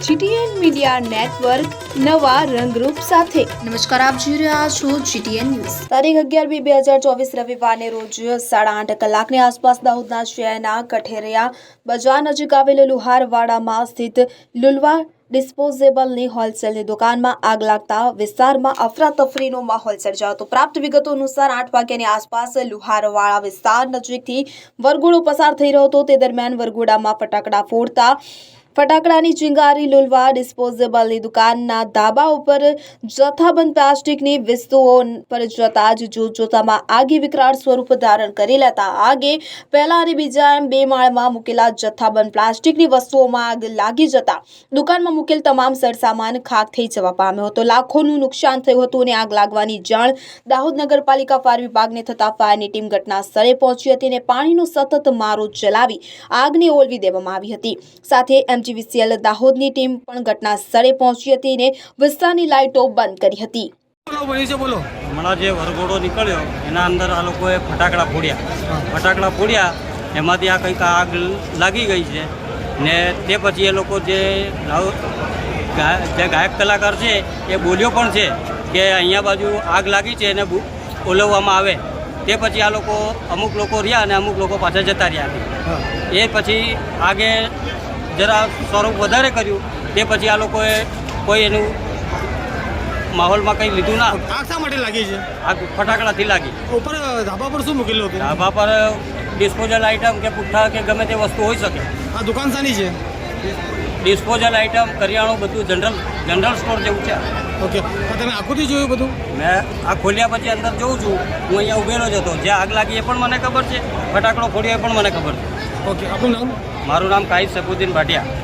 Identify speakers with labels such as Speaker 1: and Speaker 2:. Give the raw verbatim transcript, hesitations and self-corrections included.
Speaker 1: GTN media network નવા રંગરૂપ સાથે।
Speaker 2: નમસ્કાર, આપ જોઈ રહ્યા છો જીટીએન ન્યૂઝ।
Speaker 1: તારીખ અગિયાર બે બે હજાર ચોવીસ રવિવારને રોજ સાડા આઠ કલાકની આસપાસ દાહોદના શહેરના કઠેરિયા બજાર નજીક આવેલ લુહારવાડામાં સ્થિત લુલવા ડિસ્પોઝેબલની હોલસેલની દુકાનમાં આગ લાગતા વિસ્તારમાં અફરાતફરીનો માહોલ સર્જાયો હતો। પ્રાપ્ત વિગતો અનુસાર આઠ વાગ્યાની આસપાસ લુહારવાડા વિસ્તાર નજીકથી વરઘોડો પસાર થઈ રહ્યો હતો। તે દરમિયાન વરઘોડામાં ફટાકડા ફોડતા ફટાકડાની ચિંગારી લુલવા ડિસ્પોઝેબલની દુકાનના ધાબા ઉપર જથ્થાબંધ પ્લાસ્ટિકની વસ્તુઓ પર જતા જ જોતજોતામાં આગે વિકરાળ સ્વરૂપ ધારણ કરી લેતા આગે પહેલા અને બીજા એમ બે માળમાં મૂકેલા જથ્થાબંધ પ્લાસ્ટિકની વસ્તુઓમાં આગ લાગી જતા દુકાનમાં મૂકેલ તમામ સરસામાન ખાખ થઈ જવા પામ્યો હતો। લાખોનું નુકસાન થયું હતું અને આગ લાગવાની જાણ દાહોદ નગરપાલિકા ફાયર વિભાગને થતા ફાયરની ટીમ ઘટના સ્થળે પહોંચી હતી અને પાણીનો સતત મારો ચલાવી આગને ઓલવી દેવામાં આવી હતી। સાથે એમજીવીસીએલ દાહોદની ટીમ પણ ઘટના સ્થળે પહોંચી હતી અને વિસ્તારની લાઇટો બંધ કરી હતી।
Speaker 3: હમણાં જે વરઘોડો નીકળ્યો એના અંદર આ લોકોએ ફટાકડા ફોડ્યા ફટાકડા ફોડ્યા એમાંથી આ કંઈક આગ લાગી ગઈ છે ને તે પછી એ લોકો જે જે ગાયક કલાકાર છે એ બોલ્યો પણ છે કે અહીંયા બાજુ આગ લાગી છે એને ઓલવવામાં આવે। તે પછી આ લોકો અમુક લોકો રહ્યા અને અમુક લોકો પાછા જતા રહ્યા। એ પછી આગે જરા સ્વરૂપ વધારે કર્યું તે પછી આ લોકોએ કોઈ એનું માહોલમાં કંઈ લીધું ના।
Speaker 4: આગ શા માટે લાગી છે?
Speaker 3: આગ ફટાકડાથી લાગી।
Speaker 4: ઉપર ધાબા પર શું મૂકેલું હતું?
Speaker 3: ધાબા પર ડિસ્પોઝલ આઇટમ કે પુઠ્ઠા કે ગમે તે વસ્તુ હોઈ શકે।
Speaker 4: આ દુકાન શાની છે?
Speaker 3: ડિસ્પોઝલ આઇટમ કરિયાણું બધું જનરલ જનરલ સ્ટોર જેવું છે।
Speaker 4: ઓકે, તમે આખુંથી જોયું બધું?
Speaker 3: મેં આ ખોલ્યા પછી અંદર જોઉં છું, હું અહીંયા ઉભેલો જ હતો। જે આગ લાગી એ પણ મને ખબર છે, ફટાકડો ફોડ્યો એ પણ મને ખબર છે।
Speaker 4: ઓકે, આપનું નામ?
Speaker 3: મારું નામ કાહિદ સફુદ્દીન ભાટિયા।